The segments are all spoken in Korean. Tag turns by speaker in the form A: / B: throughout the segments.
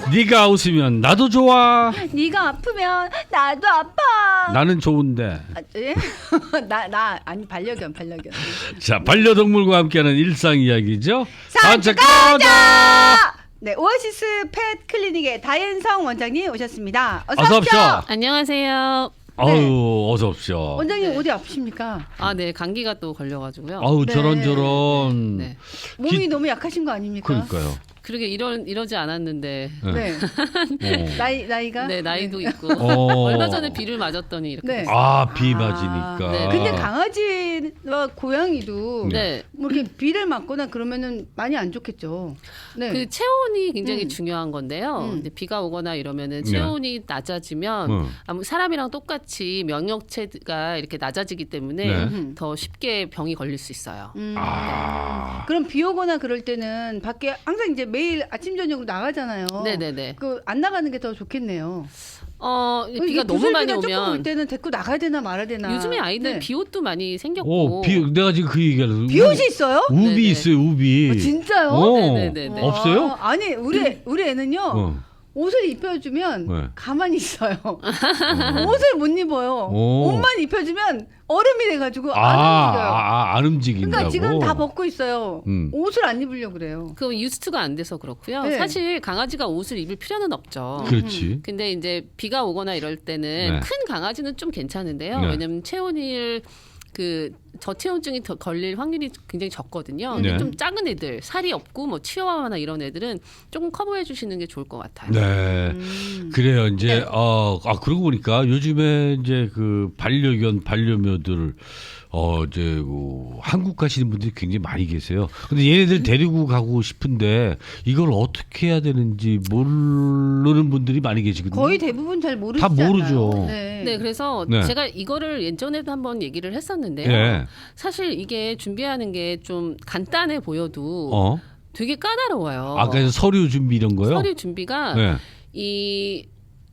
A: 네가 웃으면 나도 좋아.
B: 네가 아프면 나도 아파.
A: 나는 좋은데.
B: 예? 나 아니 반려견.
A: 자, 반려동물과 함께하는 일상 이야기죠.
B: 산책가자. 네, 오아시스 펫 클리닉의 다현성 원장님 오셨습니다.
A: 어서 오십시오.
C: 안녕하세요.
A: 아유, 어서 오십시오.
B: 원장님 어디 아프십니까?
C: 네, 감기가 또 걸려가지고요.
A: 아우,
B: 네.
A: 저런.
C: 네,
B: 몸이 너무 약하신 거 아닙니까?
A: 그러니까요.
C: 그러게 이러지 않았는데.
B: 네.
A: 어.
B: 나이가?
C: 네, 나이도
B: 네.
C: 있고.
A: 어.
C: 얼마 전에 비를 맞았더니 이렇게.
B: 네.
C: 됐어요.
A: 아, 비 맞으니까.
C: 네.
B: 근데 강아지와 고양이도
C: 네.
B: 뭐 이렇게 비를 맞거나 그러면은 많이 안 좋겠죠. 네.
C: 그 체온이 굉장히
B: 음.
C: 중요한 건데요.
B: 음.
C: 근데 비가 오거나 이러면은
A: 네.
C: 체온이 낮아지면 사람이랑 똑같이 면역체가 이렇게 낮아지기 때문에
A: 네.
C: 더 쉽게 병이 걸릴 수 있어요.
A: 아.
B: 그럼 비 오거나 그럴 때는 밖에 항상 이제 매일 아침 저녁으로 나가잖아요.
C: 네네네.
B: 그 안 나가는 게 더 좋겠네요.
C: 비가 너무 많이
B: 조금 올
C: 오면
B: 때는 데리고 나가야 되나 말아야 되나.
C: 요즘에 아이들
B: 네.
C: 비옷도 많이 생겼고.
A: 내가 지금 그 얘기하려고.
B: 비옷이 있어요?
A: 우비
C: 네네.
A: 있어요, 우비.
B: 아, 진짜요?
C: 네네네네.
A: 없어요?
B: 아니 우리 애는요.
A: 어.
B: 옷을 입혀주면
A: 네.
B: 가만히 있어요. 옷을 못 입어요.
A: 오.
B: 옷만 입혀주면 얼음이 돼가지고 안 움직여요.
A: 안 움직인다고.
B: 그러니까 지금 다 벗고 있어요.
A: 음.
B: 옷을 안 입으려고 그래요.
C: 그 유스트가 안 돼서 그렇고요.
B: 네.
C: 사실 강아지가 옷을 입을 필요는 없죠.
A: 그렇지.
C: 근데 이제 비가 오거나 이럴 때는
A: 네.
C: 큰 강아지는 좀 괜찮은데요.
A: 네.
C: 왜냐면 체온이 저체온증이 더 걸릴 확률이 굉장히 적거든요. 근데
A: 네.
C: 좀 작은 애들, 살이 없고 뭐 치와와나 이런 애들은 조금 커버해 주시는 게 좋을 것 같아요.
A: 네. 그래요. 이제 그러고 보니까 요즘에 이제 그 반려묘들 이제 한국 가시는 분들이 굉장히 많이 계세요. 근데 얘네들 데리고 가고 싶은데 이걸 어떻게 해야 되는지 모르는 분들이 많이 계시거든요.
B: 거의 대부분 잘 모르시지
A: 다 모르죠.
B: 않아요? 네.
C: 네, 그래서
A: 네.
C: 제가 이거를 예전에도 한번 얘기를 했었는데요.
A: 예.
C: 사실 이게 준비하는 게 좀 간단해 보여도 되게 까다로워요.
A: 그래서 서류 준비 이런 거요?
C: 서류 준비가
A: 네.
C: 이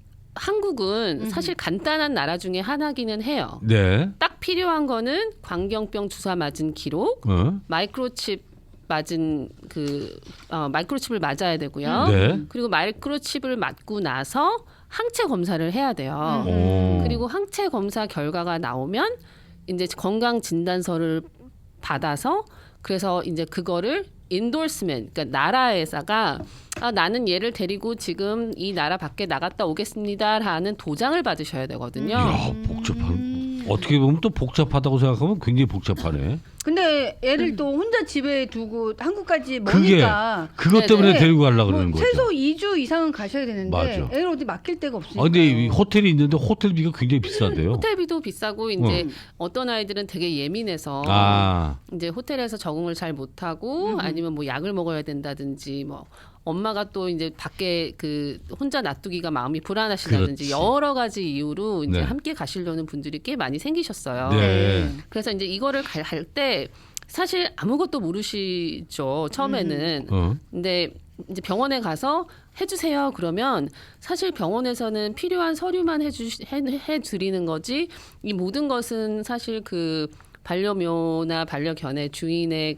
C: 한국은 사실 간단한 나라 중에 하나기는 해요.
A: 네.
C: 딱 필요한 거는 광견병 주사 맞은 기록, 마이크로칩 맞은 마이크로칩을 맞아야 되고요.
A: 네.
C: 그리고 마이크로칩을 맞고 나서 항체 검사를 해야 돼요.
A: 오.
C: 그리고 항체 검사 결과가 나오면 이제 건강 진단서를 받아서 그래서 이제 그거를 인도스ment, 그러니까 나라에다가 나는 얘를 데리고 지금 이 나라 밖에 나갔다 오겠습니다라는 도장을 받으셔야 되거든요.
A: 이야, 복잡한. 어떻게 보면 또 복잡하다고 생각하면 굉장히 복잡하네.
B: 근데 애를 또 혼자 집에 두고 한국까지 머니까
A: 그것 때문에
B: 네네.
A: 데리고 가려고 그러는 거죠.
B: 최소 2주 이상은 가셔야 되는데
A: 맞아.
B: 애를 어디 맡길 데가 없으니까.
A: 근데 이 호텔이 있는데 호텔비가 굉장히 비싸대요.
C: 호텔비도 비싸고 이제 어떤 아이들은 되게 예민해서 이제 호텔에서 적응을 잘 못하고 아니면 뭐 약을 먹어야 된다든지 뭐 엄마가 또 이제 밖에 혼자 놔두기가 마음이 불안하시다든지
A: 그렇지.
C: 여러 가지 이유로 이제
A: 네.
C: 함께 가시려는 분들이 꽤 많이 생기셨어요.
A: 네.
C: 그래서 이제 이거를 갈 때 사실 아무것도 모르시죠 처음에는. 근데 이제 병원에 가서 해주세요 그러면 사실 병원에서는 필요한 서류만 해드리는 거지 이 모든 것은 사실 그 반려묘나 반려견의 주인의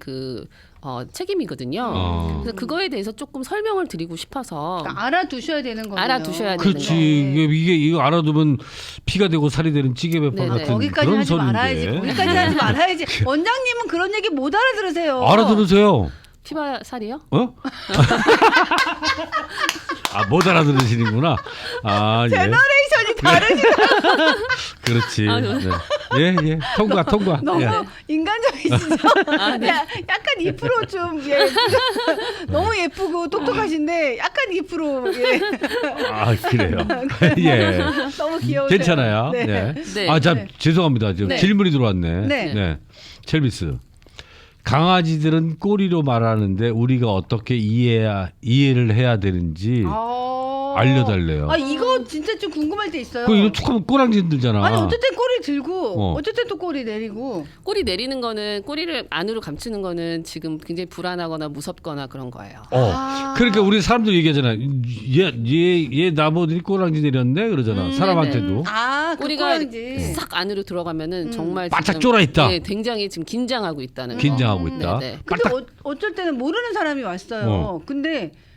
C: 책임이거든요. 그래서 그거에 대해서 조금 설명을 드리고 싶어서
B: 그러니까 알아두셔야 되는 거예요.
C: 알아두셔야 되는
A: 그렇지.
C: 거예요.
A: 이거 알아두면 피가 되고 살이 되는 찌개배빵
C: 네네.
A: 같은
B: 거기까지
A: 그런
B: 하지
A: 소리인데.
B: 말아야지. 거기까지 하지 말아야지. 원장님은 그런 얘기 못 알아들으세요.
A: 알아들으세요.
C: 피바 살이요?
A: 못 알아들으시는구나. 예.
B: 제너레이션이 다르시다.
A: 그렇지.
C: 네.
A: 예. 통과.
B: 너무
A: 예.
B: 인간적이시죠?
C: 네.
B: 약간 2% 좀 너무 예쁘고 똑똑하신데 약간 2%
A: 그래요. 예.
B: 너무 귀여우세요.
A: 괜찮아요.
B: 네.
A: 네.
C: 네.
A: 죄송합니다. 지금
C: 네.
A: 질문이 들어왔네.
B: 네.
A: 첼비스. 강아지들은 꼬리로 말하는데 우리가 어떻게 이해를 해야 되는지 알려달래요.
B: 이거 진짜 좀 궁금할 때 있어요.
A: 이거 툭 하면 꼬랑지 들잖아.
B: 아니 어쨌든 꼬리 들고 어쨌든 또 꼬리 내리고.
C: 꼬리 내리는 거는 꼬리를 안으로 감추는 거는 지금 굉장히 불안하거나 무섭거나 그런 거예요.
A: 그러니까 우리 사람들 얘기하잖아. 얘 나보더니 꼬랑지 내렸네 그러잖아. 사람한테도.
C: 꼬리가
B: 꼬랑지.
C: 싹 안으로 들어가면은 정말
A: 바짝
C: 지금,
A: 쫄아 있다.
C: 네, 굉장히 지금 긴장하고 있다는 거.
A: 긴장하고 있다.
C: 네.
B: 근데 어쩔 때는 모르는 사람이 왔어요. 근데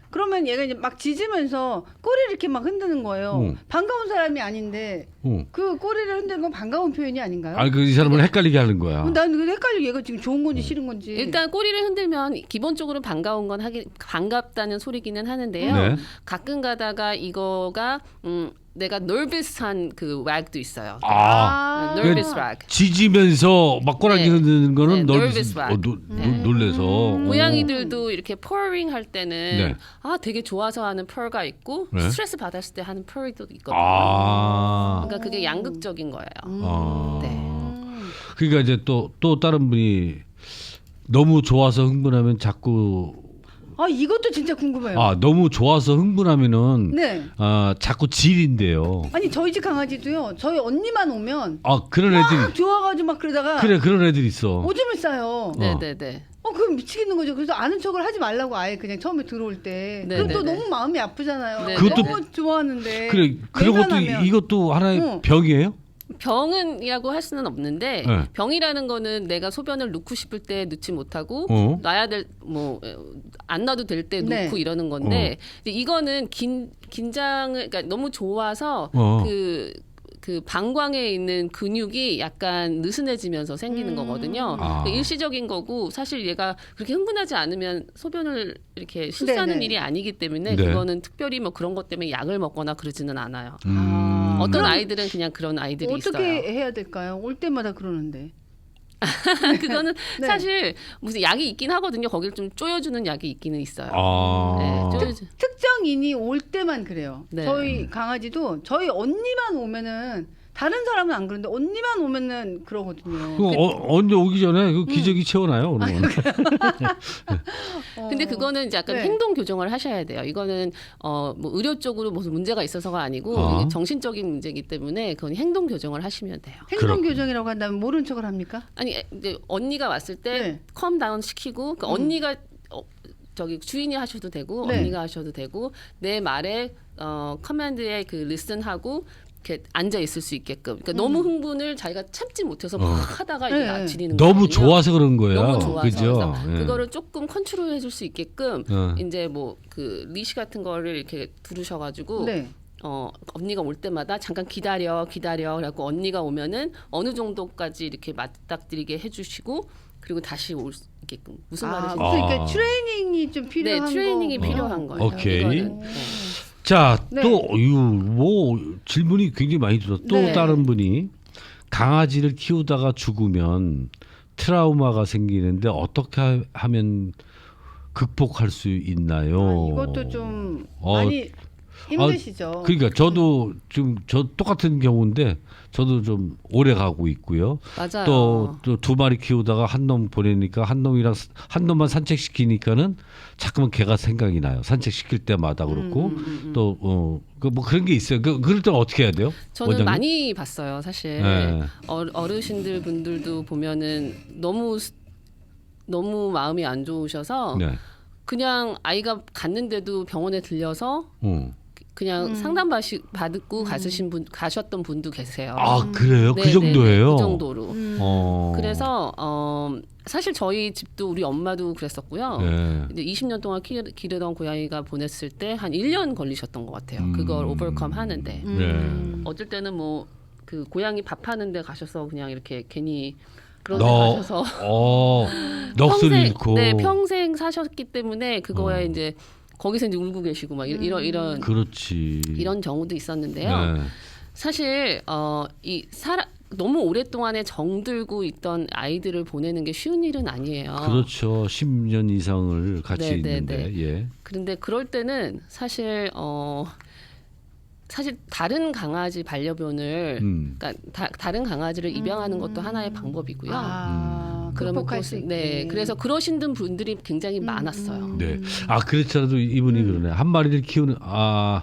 B: 그러면 얘가 이제 막 짖으면서 꼬리를 이렇게 막 흔드는 거예요. 반가운 사람이 아닌데 그 꼬리를 흔드는 건 반가운 표현이 아닌가요?
A: 아니 그 이 사람을 헷갈리게 하는 거야.
B: 난 헷갈려. 얘가 지금 좋은 건지 싫은 건지.
C: 일단 꼬리를 흔들면 기본적으로 반가운 건 반갑다는 소리기는 하는데요.
A: 네.
C: 가끔 가다가 이거가 내가 nervous한 그 wag도 있어요. nervous wag.
A: 짖으면서 막 꼬라지
C: 네.
A: 흔드는 거는
C: 네, nervous wag.
A: 놀래서.
C: 고양이들도 이렇게 purring 할 때는
A: 네.
C: 되게 좋아서 하는 purr가 있고
A: 네.
C: 스트레스 받았을 때 하는 purr도 있거든요.
A: 아.
C: 그러니까 그게 양극적인 거예요.
A: 아.
C: 네.
A: 그러니까 이제 또 다른 분이 너무 좋아서 흥분하면 자꾸
B: 이것도 진짜 궁금해요.
A: 너무 좋아서 흥분하면은
B: 네.
A: 자꾸 질인데요.
B: 아니 저희 집 강아지도요. 저희 언니만 오면
A: 그런 애들이
B: 막 좋아가지고 막 그러다가
A: 그래 그런 애들이 있어.
B: 오줌을 싸요.
C: 네네네.
B: 그럼 미치겠는 거죠. 그래서 아는 척을 하지 말라고 아예 그냥 처음에 들어올 때.
C: 네,
B: 그럼
C: 네,
B: 또
C: 네.
B: 너무 마음이 아프잖아요.
C: 네,
A: 그것도-
B: 너무 좋아하는데.
A: 그래 그런 것도
B: 외면하면.
A: 이것도 하나의 병이에요?
C: 병은이라고 할 수는 없는데
A: 네.
C: 병이라는 거는 내가 소변을 넣고 싶을 때 넣지 못하고 놔야 될 안 놔도 될 때
B: 네.
C: 놓고 이러는 건데 근데 이거는 긴장을 그러니까 너무 좋아서 그 방광에 있는 근육이 약간 느슨해지면서 생기는 거거든요. 그러니까 일시적인 거고 사실 얘가 그렇게 흥분하지 않으면 소변을 이렇게 실수하는
B: 네네.
C: 일이 아니기 때문에
A: 네.
C: 그거는 특별히 뭐 그런 것 때문에 약을 먹거나 그러지는 않아요. 어떤
B: 그럼
C: 아이들은 그냥 그런 아이들이
B: 어떻게
C: 있어요.
B: 해야 될까요? 올 때마다 그러는데.
C: 그거는
B: 네.
C: 사실 무슨 약이 있긴 하거든요. 거기를 좀 쪼여주는 약이 있기는 있어요. 네,
B: 특정인이 올 때만 그래요.
C: 네.
B: 저희 강아지도 저희 언니만 오면은 다른 사람은 안 그런데 언니만 오면은 그러거든요.
A: 언제 오기 전에 그 기저귀 채워놔요. 그러면.
C: 근데 그거는 이제 약간
B: 네.
C: 행동 교정을 하셔야 돼요. 이거는 뭐 의료 쪽으로 무슨 문제가 있어서가 아니고 이게 정신적인 문제이기 때문에 그건 행동 교정을 하시면 돼요.
B: 행동 교정이라고 한다면 모른 척을 합니까?
C: 아니 이제 언니가 왔을 때
B: 네.
C: 컴 다운 시키고 그러니까 언니가 저기 주인이 하셔도 되고
B: 네.
C: 언니가 하셔도 되고 내 말에 커맨드에 그 리슨하고 이렇게 앉아 있을 수 있게끔. 그러니까 너무 흥분을 자기가 참지 못해서 막 하다가 이게
B: 네.
C: 지리는
A: 너무
C: 거거든요.
A: 좋아서 그런 거예요.
C: 너무 좋아서
A: 그죠?
C: 그래서
A: 예.
C: 그거를 조금 컨트롤해 줄 수 있게끔 이제 뭐 그 리시 같은 거를 이렇게 두르셔가지고
B: 네.
C: 언니가 올 때마다 잠깐 기다려 그래갖고 언니가 오면은 어느 정도까지 이렇게 맞닥뜨리게 해주시고 그리고 다시 올 수 있게끔 무슨 말인지
B: 그러니까 트레이닝이 좀 필요한
C: 네 트레이닝이
B: 거군요.
C: 필요한 거예요.
A: 오케이.
C: 이거는.
A: 자,
B: 네.
A: 또 뭐 질문이 굉장히 많이 들어. 또
B: 네.
A: 다른 분이 강아지를 키우다가 죽으면 트라우마가 생기는데 어떻게 하면 극복할 수 있나요?
B: 이것도 좀 많이 힘드시죠.
A: 그러니까 저도 지금 저 똑같은 경우인데 저도 좀 오래 가고 있고요.
C: 맞아요.
A: 또 두 마리 키우다가 한 놈 보내니까 한 놈만 산책시키니까는 자꾸만 걔가 생각이 나요. 산책시킬 때마다 그렇고 또 뭐 그런 게 있어요. 그럴 때는 어떻게 해야 돼요?
C: 저는
A: 원장님?
C: 많이 봤어요. 사실
A: 네.
C: 어르신들 분들도 보면은 너무 마음이 안 좋으셔서
A: 네.
C: 그냥 아이가 갔는데도 병원에 들려서 그냥 상담 받고 가셨던 분도 계세요.
A: 그래요? 그
C: 네네네,
A: 정도예요?
C: 그 정도로.
A: 어.
C: 그래서 사실 저희 집도 우리 엄마도 그랬었고요.
A: 네.
C: 이제 20년 동안 기르던 고양이가 보냈을 때 한 1년 걸리셨던 것 같아요. 그걸 오버컴 하는데.
A: 네.
C: 어쩔 때는 뭐 그 고양이 밥하는데 가셔서 그냥 이렇게 괜히 그런 데 가셔서
A: 넋을 잃고.
C: 평생 사셨기 때문에 그거에 이제 거기서 이제 울고 계시고 막 이런
A: 그렇지.
C: 이런 경우도 있었는데요.
A: 네.
C: 사실 너무 오랫동안에 정들고 있던 아이들을 보내는 게 쉬운 일은 아니에요.
A: 그렇죠. 10년 이상을 같이 있는데. 예.
C: 그런데 그럴 때는 사실 다른 강아지 반려견을 그러니까 다른 강아지를 입양하는 것도 하나의 방법이고요.
B: 극복할 수 있게.
C: 네, 그래서 그러신 분들이 굉장히 많았어요.
A: 네. 그렇더라도 이분이 그러네. 한 마리를 키우는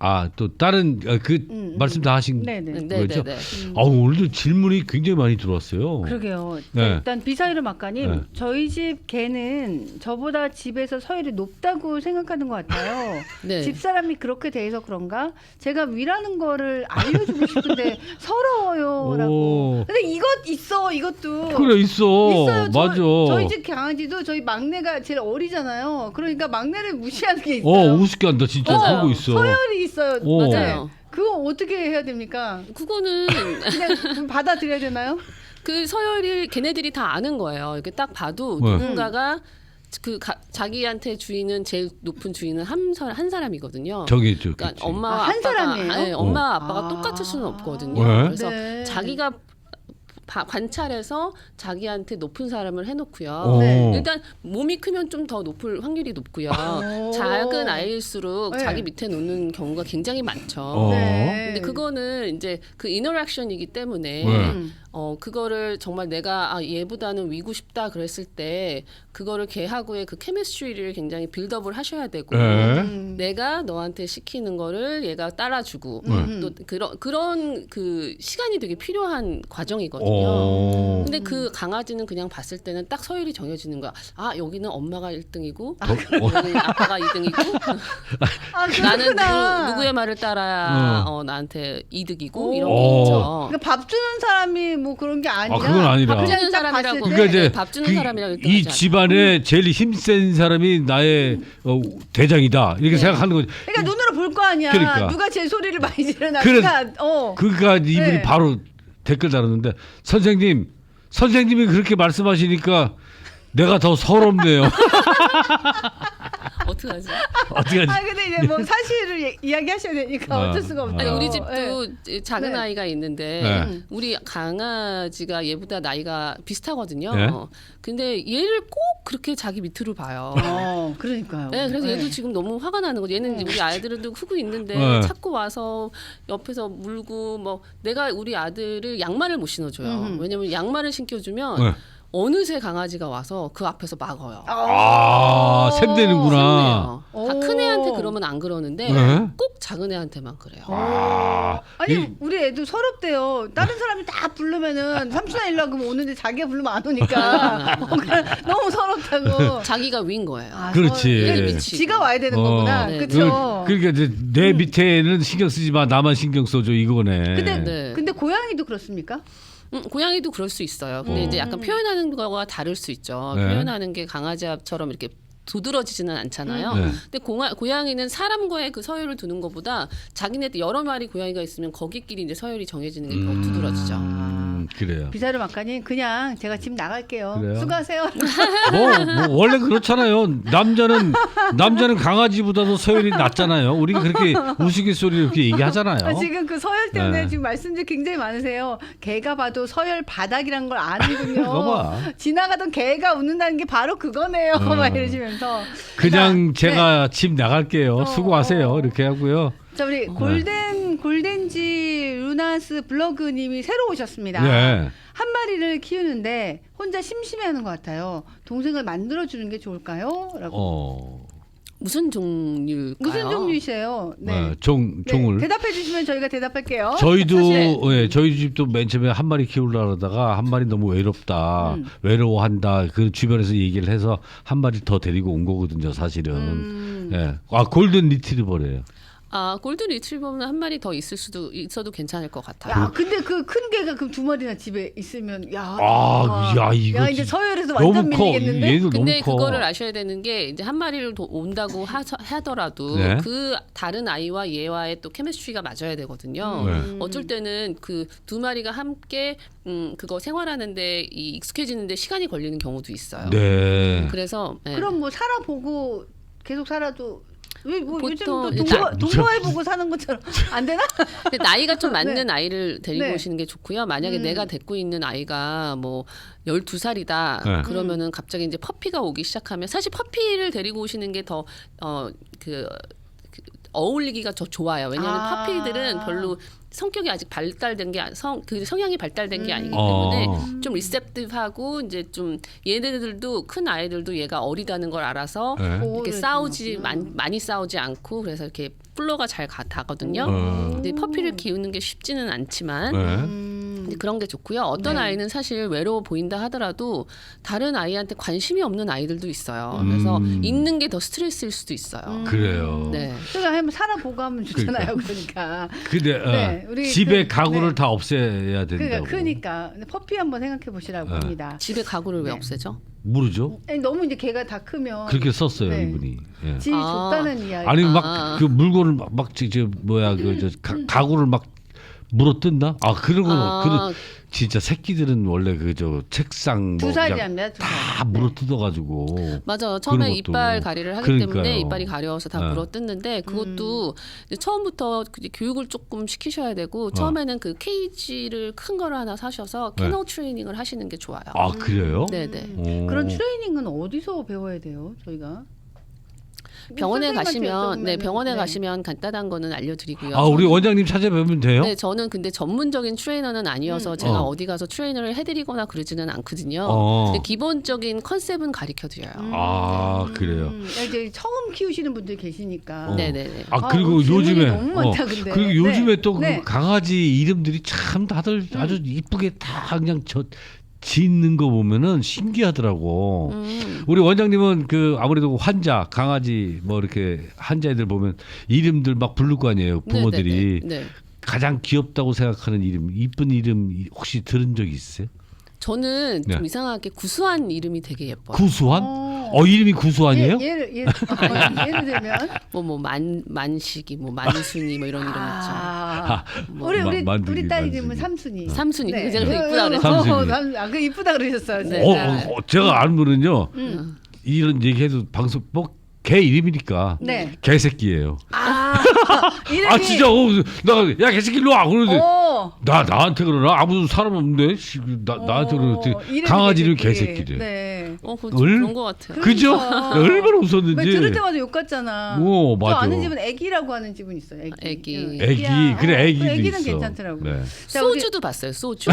A: 또 다른 말씀 다 하신 거죠? 오늘도 질문이 굉장히 많이 들어왔어요.
B: 그러게요.
A: 네.
B: 일단 비사이르 막가님,
A: 네.
B: 저희 집 개는 저보다 집에서 서열이 높다고 생각하는 것 같아요.
C: 네.
B: 집사람이 그렇게 돼서 그런가? 제가 위라는 거를 알려주고 싶은데 서러워요라고. 근데 이것도
A: 그래 있어요.
B: 맞아.
A: 맞아.
B: 저희 집 강아지도 저희 막내가 제일 어리잖아요. 그러니까 막내를 무시하는 게 있어요.
A: 우습게 한다 진짜. 하고 있어.
B: 서열이 있어요.
C: 맞아요.
B: 그거 어떻게 해야 됩니까?
C: 그거는
B: 그냥 받아들여야 되나요?
C: 그 서열을 걔네들이 다 아는 거예요. 이렇게 딱 봐도
A: 네.
C: 누군가가 자기한테 주인은 제일 높은 주인은 한 사람이거든요.
A: 저기죠.
C: 그러니까 엄마와
B: 한
C: 아빠가
B: 사람이에요?
C: 네, 엄마와 아빠가 똑같을 수는 없거든요.
A: 왜?
C: 그래서
B: 네.
C: 자기가 관찰해서 자기한테 높은 사람을 해놓고요.
B: 네.
C: 일단 몸이 크면 좀 더 높을 확률이 높고요. 작은 아이일수록
B: 네.
C: 자기 밑에 놓는 경우가 굉장히 많죠.
B: 네.
C: 근데 그거는 이제 그 인터랙션이기 때문에
A: 네.
C: 그거를 정말 내가 얘보다는 위고 싶다 그랬을 때 그거를 걔하고의 그 케미스트리를 굉장히 빌드업을 하셔야 되고
A: 네.
C: 내가 너한테 시키는 거를 얘가 따라주고 또 그런 그 시간이 되게 필요한 과정이거든요. 근데 그 강아지는 그냥 봤을 때는 딱 서열이 정해지는 거야. 여기는 엄마가 1등이고 여기는 아빠가 2등이고 나는 누구의 말을 따라야 나한테 이득이고 이런 게 있죠.
B: 그러니까 밥 주는 사람이 뭐 그런 게 아니라.
A: 그건 아니라.
C: 밥 주는
B: 딱
C: 사람이라고.
B: 봤을 때
A: 그러니까 이제
C: 밥 주는 사람이라고
A: 이 집안에 제일 힘센 사람이 나의 대장이다 이렇게 생각하는 거죠.
B: 그러니까 눈으로 볼 거 아니야.
A: 그러니까.
B: 누가 제일 소리를 많이 지르나.
A: 그러니까 이분이
B: 네.
A: 바로 댓글 달았는데 선생님이 그렇게 말씀하시니까 내가 더 서럽네요.
C: 어떡하지?
B: 근데 이제 뭐 사실을 이야기하셔야 되니까 어쩔 수가 없죠.
C: 아니 우리 집도 작은
B: 네.
C: 아이가 있는데
A: 네.
C: 우리 강아지가 얘보다 나이가 비슷하거든요.
A: 네.
C: 근데 얘를 꼭 그렇게 자기 밑으로 봐요.
B: 그러니까요.
C: 네, 그래서 얘도 지금 너무 화가 나는 거죠. 얘는 우리 아이들도 크고 있는데 자꾸 와서 옆에서 물고 뭐 내가 우리 아들을 양말을 못 신어줘요. 왜냐면 양말을 신겨주면 어느새 강아지가 와서 그 앞에서 막어요.
A: 샘되는구나.
C: 다 큰 애한테 그러면 안 그러는데
A: 네?
C: 꼭 작은 애한테만 그래요.
B: 아니 우리 애도 서럽대요. 다른 사람이 다 부르면은 삼촌아 일로 와 그러면 오는데 자기가 부르면 안 오니까 너무 서럽다고.
C: 자기가 위인 거예요.
A: 그렇지.
B: 지가 와야 되는 거구나.
C: 네.
B: 그렇죠.
A: 그러니까 이제 내 밑에는 신경 쓰지 마. 나만 신경 써줘 이거네.
B: 근데 고양이도 그렇습니까?
C: 고양이도 그럴 수 있어요. 근데 이제 약간 표현하는 거가 다를 수 있죠.
A: 네.
C: 표현하는 게 강아지처럼 이렇게 도드러지지는 않잖아요. 근데 고양이는 사람과의 그 서열을 두는 것보다 자기네들 여러 마리 고양이가 있으면 거기끼리 이제 서열이 정해지는 게 더 두드러지죠.
A: 그래요.
B: 비사르 막가님 그냥 제가 집 나갈게요.
A: 그래요?
B: 수고하세요.
A: 뭐 원래 그렇잖아요. 남자는 강아지보다도 서열이 낮잖아요. 우리가 그렇게 우스갯소리로 이렇게 얘기하잖아요.
B: 지금 그 서열 때문에 지금 말씀들이 굉장히 많으세요. 개가 봐도 서열 바닥이란 걸 아는군요. 지나가던 개가 웃는다는 게 바로 그거네요. 막 이러시면서.
A: 그냥 제가 집 나갈게요. 수고하세요. 이렇게 하고요.
B: 자 우리 골덴지 루나스 블로그님이 새로 오셨습니다.
A: 네.
B: 한 마리를 키우는데 혼자 심심해하는 것 같아요. 동생을 만들어주는 게 좋을까요? 라고.
C: 무슨 종류일까요?
B: 무슨 종류이세요? 네.
A: 종을.
B: 대답해 주시면 저희가 대답할게요.
A: 저희 집도 맨 처음에 한 마리 키우려고 하다가 한 마리 너무 외롭다. 외로워한다. 그 주변에서 얘기를 해서 한 마리 더 데리고 온 거거든요, 사실은. 골든 리트리버래요.
C: 골든 리트리버는 한 마리 더 있어도 괜찮을 것 같아요.
B: 야, 근데 그 큰 개가 그럼 두 마리나 집에 있으면
A: 이거
B: 이제 서열에서 완전 밀리겠는데.
C: 근데 그거를 아셔야 되는 게 이제 한 마리를 더 온다고 하더라도 그 다른 아이와 얘와의 또 케미스트리가 맞아야 되거든요. 어쩔 때는 그 두 마리가 함께 그거 생활하는데 익숙해지는데 시간이 걸리는 경우도 있어요.
A: 네.
C: 그래서
B: 그럼 뭐 살아보고 계속 살아도. 뭐 요즘 또
C: 보통
B: 동거해보고 사는 것처럼 안 되나?
C: 근데 나이가 좀 맞는 아이를 데리고 오시는 게 좋고요. 만약에 내가 데리고 있는 아이가 뭐 12살이다. 그러면은 갑자기 이제 퍼피가 오기 시작하면 사실 퍼피를 데리고 오시는 게 더 어울리기가 더 좋아요. 왜냐하면
B: 아.
C: 퍼피들은 별로 성격이 아직 발달된 게 그 성향이 발달된 게 아니기 때문에 좀 리셉티브하고 이제 좀 얘네들도 큰 아이들도 얘가 어리다는 걸 알아서
A: 네.
C: 이렇게 싸우지 많이 싸우지 않고 그래서 이렇게 플로가 잘 가거든요. 근데 퍼피를 키우는 게 쉽지는 않지만 근데 그런 게 좋고요. 어떤 아이는 사실 외로워 보인다 하더라도 다른 아이한테 관심이 없는 아이들도 있어요. 그래서 있는 게 더 스트레스일 수도 있어요.
A: 그래요.
C: 네.
B: 제가 한번 살아보고 하면 좋잖아요. 그러니까.
A: 근데
B: 네, 우리
A: 집에
B: 그-
A: 가구를
B: 네.
A: 다 없애야 된다고.
B: 그러니까 근데 퍼피 한번 생각해 보시라고 합니다.
C: 집에 가구를 왜
B: 네.
C: 없애죠?
A: 모르죠.
B: 아니, 너무 이제 걔가 다 크면
A: 그렇게 썼어요
B: 네.
A: 이분이. 예.
B: 질이 좋다는 이야기.
A: 아니 막 그 물건을 막저 뭐야 그 가구를 막 물어 뜯나? 아 그런 거 진짜 새끼들은 원래 그 저 책상
B: 두
A: 뭐
B: 살이
A: 그냥
B: 합니다. 두 살.
A: 다 물어 뜯어가지고.
C: 맞아요. 처음에
A: 그런 것도.
C: 이빨 가리를 하기
A: 그러니까요.
C: 때문에 이빨이 가려워서 다
A: 네.
C: 물어 뜯는데 그것도 이제 처음부터 교육을 조금 시키셔야 되고 처음에는 그 케이지를 큰 거를 하나 사셔서
A: 네.
C: 캐널 트레이닝을 하시는 게 좋아요.
A: 아 그래요?
C: 네네.
A: 오.
B: 그런 트레이닝은 어디서 배워야 돼요? 저희가
C: 병원에
B: 선생님한테
C: 가시면
B: 여쭤보면은,
C: 병원에
B: 네.
C: 가시면 간단한 거는 알려드리고요.
A: 아 우리 원장님 찾아뵈면 돼요?
C: 네, 저는 근데 전문적인 트레이너는 아니어서 제가 어디 가서 트레이너를 해드리거나 그러지는 않거든요. 근데 기본적인 컨셉은 가르쳐드려요.
A: 아 그래요.
B: 이제 처음 키우시는 분들 계시니까.
C: 네네네.
A: 아 그리고
B: 질문이
A: 요즘에
B: 너무 많다, 근데.
A: 그리고 요즘에 또 그
B: 네.
A: 강아지 이름들이 참 다들 아주 이쁘게 다 그냥 짓는 거 보면은 신기하더라고. 우리 원장님은 그 아무래도 환자 강아지 뭐 이렇게 환자애들 보면 이름들 막 부를 거 아니에요 부모들이.
C: 네네네. 네.
A: 가장 귀엽다고 생각하는 이름, 이쁜 이름 혹시 들은 적 있으세요?
C: 저는 좀
A: 네.
C: 이상하게 구수한 이름이 되게 예뻐요.
A: 구수한? 이름이 구수한이에요?
B: 예를 들면
C: 뭐 만식이 뭐 만순이 뭐 이런 이름 있죠.
B: 우리 딸 이름은 삼순이.
C: 삼순이.
B: 네.
C: 그게 이쁘다 그랬죠.
A: 삼순이.
B: 그 이쁘다 그러셨어요.
C: 네.
A: 제가 아는 분은요. 이런 얘기해도 방송 개 이름이니까
B: 네.
A: 개새끼예요.
B: 이름이
A: 아 진짜 야 개새끼 일로 와 그러는데
B: 어.
A: 나한테 그러나 아무 사람 없는데 나한테 그러는데
B: 이름이
A: 강아지 이름
B: 개새끼.
A: 개새끼래.
B: 네.
C: 그런 것 같아요.
A: 그죠?
B: 그러니까.
A: 얼마나 웃었는지.
B: 왜 들을 때마다 욕 같잖아.
A: 오,
B: 저
A: 맞아.
B: 아는 집은 애기라고 하는 집은 있어요.
C: 애기.
B: 응,
A: 애기
B: 애기야.
A: 그래 애기도
B: 애기는
A: 있어.
B: 괜찮더라고.
A: 네.
B: 자, 우리
C: 소주도 봤어요. 소주.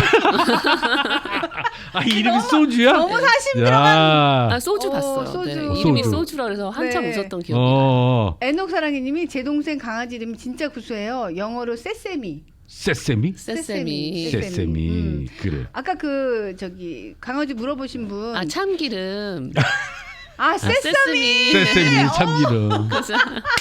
A: 아 이름이 소주야?
B: 너무 사심
A: 야.
C: 아 소주 봤어요.
B: 소주.
C: 네, 이름이
A: 소주.
C: 소주라 그래서 한참
B: 네.
C: 웃었던 기억이 나요.
B: 애녹사랑이님이 제 동생 강아지 이름이 진짜 구수해요. 영어로 세세미.
A: 세세미?
C: 세세미.
A: 세세미. 그래.
B: 아까 그 저기 강아지 물어보신 분.
C: 아 참기름.
B: 세세미.
A: 세세미 참기름.
C: 그래서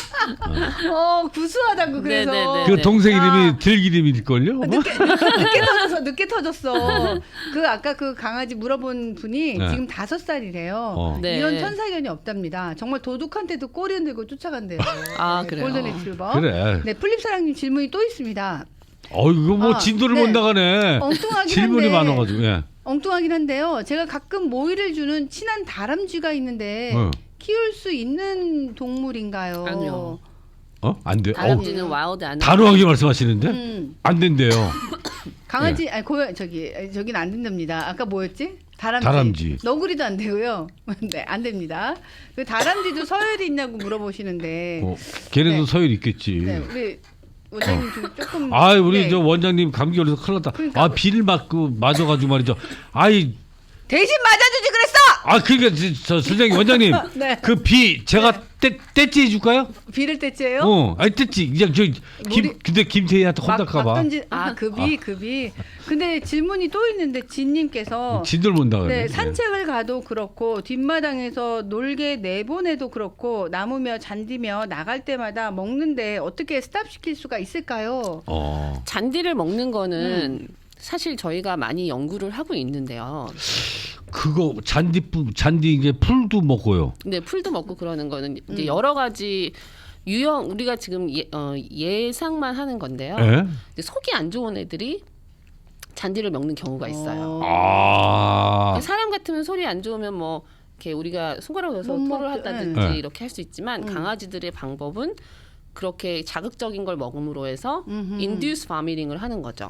B: 구수하다고 그래서.
C: 네네네.
A: 그 동생
B: 야.
A: 이름이 들기름일걸요?
B: 늦게 터졌어. 그 아까 그 강아지 물어본 분이
A: 네.
B: 지금 5살이래요.
C: 네.
B: 이런 천사견이 없답니다. 정말 도둑한테도 꼬리 흔들고 쫓아간대요.
C: 아, 그래요?
B: 골든 리트리버.
A: 그래.
B: 네, 플립사랑님 질문이 또 있습니다.
A: 이거 뭐 진도를
B: 네.
A: 못 나가네.
B: 엉뚱하긴
A: 질문이
B: 한데.
A: 많아가지고. 예.
B: 엉뚱하긴 한데요. 제가 가끔 모이를 주는 친한 다람쥐가 있는데 키울 수 있는 동물인가요?
C: 아니요.
A: 안 돼.
C: 다람쥐는 와우드 안
A: 단호하게 말씀하시는데 안 된대요.
B: 강아지 아니 고양 저긴 안 된답니다. 아까 뭐였지?
A: 다람쥐.
B: 너구리도 안 되고요. 네, 안 됩니다. 그 다람쥐도 서열이 있냐고 물어보시는데.
A: 걔네도
B: 네.
A: 서열 있겠지.
B: 네, 우리 원장님 좀 조금.
A: 우리
B: 네.
A: 저 원장님 감기 걸려서 큰일 났다.
B: 그러니까.
A: 비를 맞아가지고 말이죠.
B: 대신 맞아주지 그랬어.
A: 그러니까 저 선생님 원장님
B: 네.
A: 그 비 제가 떼찌 해줄까요?
B: 비를 떼째요?
A: 떼찌 그냥 근데 김태희한테 혼날까봐.
B: 급이. 근데 질문이 또 있는데 진님께서
A: 진들 못 나가네.
B: 네, 산책을 가도 그렇고 뒷마당에서 놀게 내보내도 그렇고 나무며 잔디며 나갈 때마다 먹는데 어떻게 스탑시킬 수가 있을까요?
C: 잔디를 먹는 거는 사실 저희가 많이 연구를 하고 있는데요.
A: 그거 잔디 이제 풀도 먹고요.
C: 네, 풀도 먹고 그러는 거는 이제 여러 가지 우리가 지금 예상만 하는 건데요.
A: 예?
C: 이제 속이 안 좋은 애들이 잔디를 먹는 경우가 있어요. 사람 같으면 소리 안 좋으면 뭐 이렇게 우리가 손가락으로 해서
B: 못
C: 토를
B: 먹죠.
C: 한다든지
A: 네.
C: 이렇게 할 수 있지만 강아지들의 방법은 그렇게 자극적인 걸 먹음으로 해서 induce vomiting을 하는 거죠.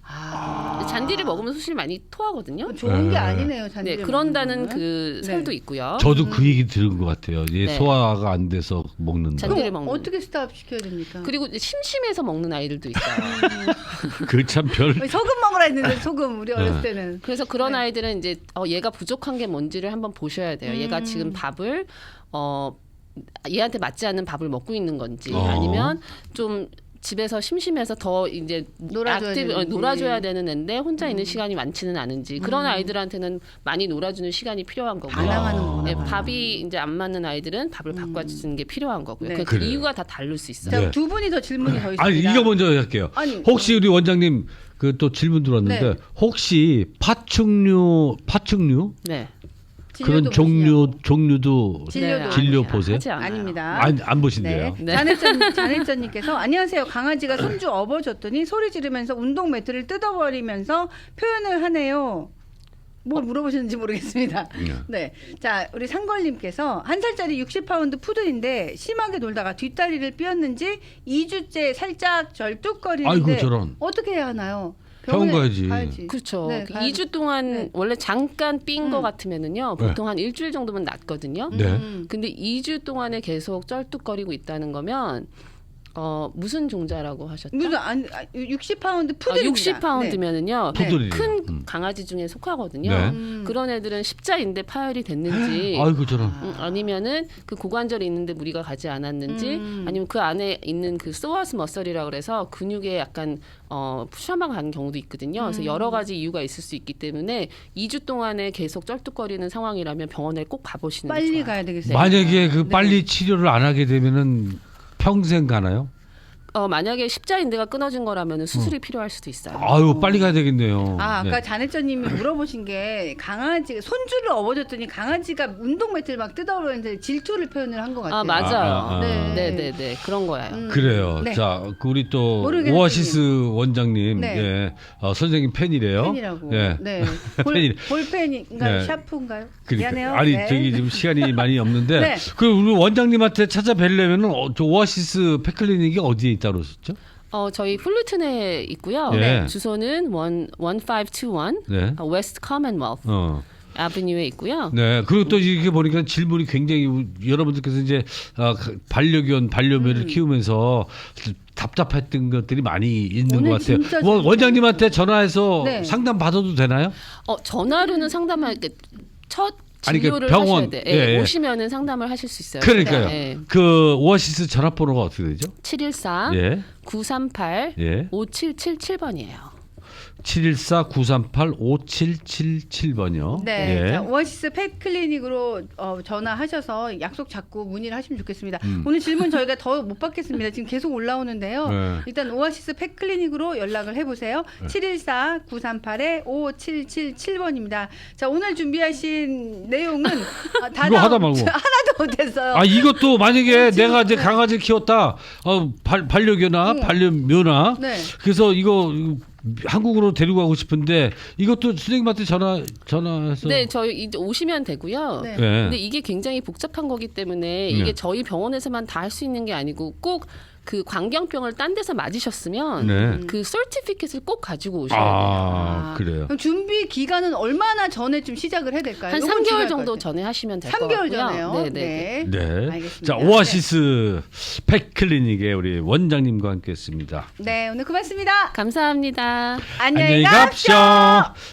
C: 잔디를 먹으면 사실 많이 토하거든요.
B: 좋은 게 아니네요. 잔디.
C: 네, 그런다는 그 설도 있고요.
A: 저도 그 얘기 들은 것 같아요. 얘
C: 네.
A: 소화가 안 돼서 먹는다.
C: 잔디를 먹는.
B: 어떻게 스탑 시켜야 됩니까?
C: 그리고 이제 심심해서 먹는 아이들도 있어요.
A: 그 참 별.
B: 소금 먹으라 했는데 소금 우리 어렸을 때는.
C: 그래서 그런 아이들은 이제 얘가 부족한 게 뭔지를 한번 보셔야 돼요. 얘가 지금 밥을 얘한테 맞지 않는 밥을 먹고 있는 건지 아니면 좀 집에서 심심해서 더 이제 놀아줘야 되는 애인데 혼자 있는 시간이 많지는 않은지 그런 아이들한테는 많이 놀아주는 시간이 필요한 거고요.
B: 반항하는구나.
C: 네, 밥이 이제 안 맞는 아이들은 밥을 바꿔주는 게 필요한 거고요.
B: 네.
C: 그 이유가 다 다를 수 있어요.
B: 자,
A: 네.
B: 두 분이 더 질문이 더 있습니다.
A: 아니 이거 먼저 할게요.
B: 아니,
A: 혹시 우리 원장님 그 또 질문 들어왔는데
B: 네.
A: 혹시 파충류
C: 네.
A: 그런 종류도
B: 진료도
A: 진료
C: 아니에요.
A: 보세요?
C: 하지 않아요.
B: 아닙니다.
A: 안 보신대요.
C: 네.
B: 잔해전님께서 안녕하세요. 강아지가 손주 업어줬더니 소리 지르면서 운동 매트를 뜯어버리면서 표현을 하네요. 뭘 물어보셨는지 모르겠습니다. 네, 자 우리 상걸님께서 1살짜리 60파운드 푸들인데 심하게 놀다가 뒷다리를 삐었는지 2주째 살짝 절뚝거리는데
A: 아이고, 저런.
B: 어떻게 해야 하나요?
A: 병원
B: 병원에
A: 가야지.
C: 그렇죠.
B: 네,
C: 2주 동안
B: 네.
C: 원래 잠깐 삔 거 같으면은요. 보통 한 일주일 정도면 낫거든요.
A: 네.
C: 근데 2주 동안에 계속 쩔뚝거리고 있다는 거면 무슨 종자라고 하셨죠?
B: 무슨 60파운드 푸들입니다.
C: 60파운드면은요.
A: 네. 푸들이에요.
C: 큰 강아지 중에 속하거든요.
A: 네.
C: 그런 애들은 십자인대 파열이 됐는지
A: 아이고 저런.
C: 아니면은 그 고관절이 있는데 무리가 가지 않았는지 아니면 그 안에 있는 그 소아스 머슬이라 그래서 근육에 약간 푸셔만 간 경우도 있거든요. 그래서 여러 가지 이유가 있을 수 있기 때문에 2주 동안에 계속 쩔뚝거리는 상황이라면 병원에 꼭 가보시는 게
B: 빨리
C: 좋아요.
B: 가야 되겠어요.
A: 만약에 그 빨리 치료를 안 하게 되면은 평생 가나요?
C: 만약에 십자인대가 끊어진 거라면 수술이 필요할 수도 있어요.
A: 아유 빨리 가야 되겠네요.
B: 아까
A: 네.
B: 잔해전님이 물어보신 게 강아지 손주를 업어줬더니 강아지가 운동 매트를 막 뜯어버리는데 질투를 표현을 한 것 같아요.
C: 맞아요.
B: 네.
C: 네, 그런 거예요.
A: 그래요.
B: 네.
A: 자, 그 우리 또
B: 모르겠어요.
A: 오아시스 원장님,
B: 네.
A: 예, 선생님 팬이래요.
B: 팬이라고.
A: 예.
B: 네.
A: 팬이-
B: 볼펜인가요?
A: 네.
B: 샤프인가요?
A: 그러니까.
B: 미안해요.
A: 아니
B: 네.
A: 저기 지금 시간이 많이 없는데
B: 네.
A: 그 우리 원장님한테 찾아뵈려면은 저 오아시스 펫클리닉이 어디에 있다고 그러셨죠?
C: 저희 플루튼에 있고요.
A: 네.
C: 주소는 1521
A: 네.
C: 웨스트 커먼웰스 아비뉴에 있고요.
A: 네. 그리고 또 이렇게 보니까 질문이 굉장히 여러분들께서 이제 반려견, 반려묘를 키우면서 답답했던 것들이 많이 있는
B: 오늘
A: 것 같아요.
B: 진짜
A: 원장님한테 전화해서
B: 네.
A: 상담 받아도 되나요?
C: 전화로는 상담할 첫
A: 아니, 그
C: 진료를
A: 병원,
C: 하셔야 돼.
A: 예, 예.
C: 오시면은 상담을 하실 수 있어요.
A: 그러니까요.
C: 네.
A: 그 오아시스 전화번호가 어떻게 되죠?
C: 714
A: 예.
C: 938
A: 예.
C: 5777번이에요.
A: 714-938-5777번이요.
B: 네,
A: 예.
B: 자, 오아시스 펫클리닉으로 전화하셔서 약속 잡고 문의를 하시면 좋겠습니다. 오늘 질문 저희가 더 못 받겠습니다. 지금 계속 올라오는데요.
A: 네.
B: 일단 오아시스 펫클리닉으로 연락을 해보세요. 714-938-5777번입니다. 자, 오늘 준비하신 내용은 다
A: 이거 하다 말고.
B: 하나도 못했어요.
A: 아 이것도 만약에 내가 이제 강아지 키웠다, 반려견아, 반려묘나,
B: 네.
A: 그래서 이거 한국으로 데리고 가고 싶은데 이것도 선생님한테 전화해서.
C: 네, 저희 이제 오시면 되고요.
B: 네.
A: 예.
C: 근데 이게 굉장히 복잡한 거기 때문에 이게
A: 네.
C: 저희 병원에서만 다 할 수 있는 게 아니고 꼭 그 광견병을 딴 데서 맞으셨으면
A: 네.
C: 그 서티피켓을 꼭 가지고 오셔야 돼요.
A: 그래요.
B: 그럼 준비 기간은 얼마나 전에 좀 시작을 해야 될까요?
C: 한
B: 요건
C: 3개월
B: 중요할
C: 정도
B: 것 같아요.
C: 전에 하시면 될 것 같고요.
B: 3개월 전에요.
C: 네.
A: 네.
B: 알겠습니다.
A: 자, 오아시스 펫클리닉의 우리 원장님과 함께했습니다.
B: 네, 오늘 고맙습니다.
C: 감사합니다.
B: 안녕히 가십시오.